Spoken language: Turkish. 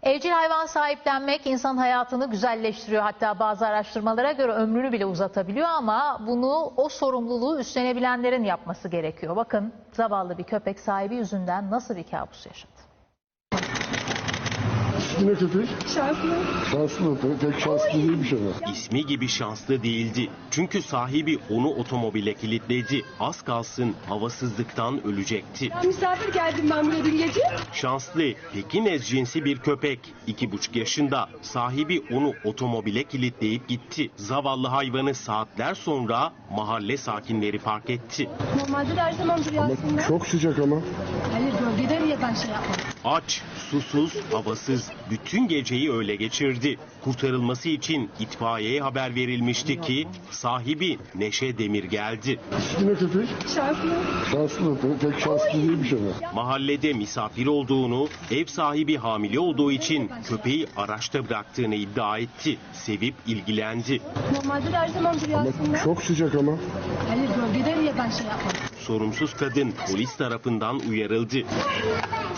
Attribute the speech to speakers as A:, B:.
A: Evcil hayvan sahiplenmek insan hayatını güzelleştiriyor. Hatta bazı araştırmalara göre ömrünü bile uzatabiliyor ama bunu o sorumluluğu üstlenebilenlerin yapması gerekiyor. Bakın zavallı bir köpek sahibi yüzünden nasıl bir kabus yaşadı.
B: Yine köpek.
C: Şanslı.
B: Şanslı. Pek şanslı değilmiş ama.
D: İsmi gibi şanslı değildi. Çünkü sahibi onu otomobile kilitledi. Az kalsın havasızlıktan ölecekti.
C: Misafir geldim ben buraya dün gece.
D: Şanslı, Pekinez cinsi bir köpek. 2,5 yaşında. Sahibi onu otomobile kilitleyip gitti. Zavallı hayvanı saatler sonra mahalle sakinleri fark etti.
C: Normalde de her zaman duruyor aslında.
B: Çok sıcak ama.
C: Hayır bölgede niye ben şey yapmadım?
D: Aç, susuz, havasız bütün geceyi öyle geçirdi. Kurtarılması için itfaiyeye haber verilmişti ki sahibi Neşe Demir geldi.
B: Yine köpek.
C: Şanslı.
B: Şanslı. Pek şanslı değilmiş ama.
D: Mahallede misafir olduğunu, ev sahibi hamile olduğu için köpeği araçta bıraktığını iddia etti. Sevip ilgilendi.
C: Normalde de her zaman duruyor
B: Ama
C: aslında.
B: çok sıcak ama.
C: Hayır bölgede niye ben şey yapmadım?
D: Sorumsuz kadın polis tarafından uyarıldı.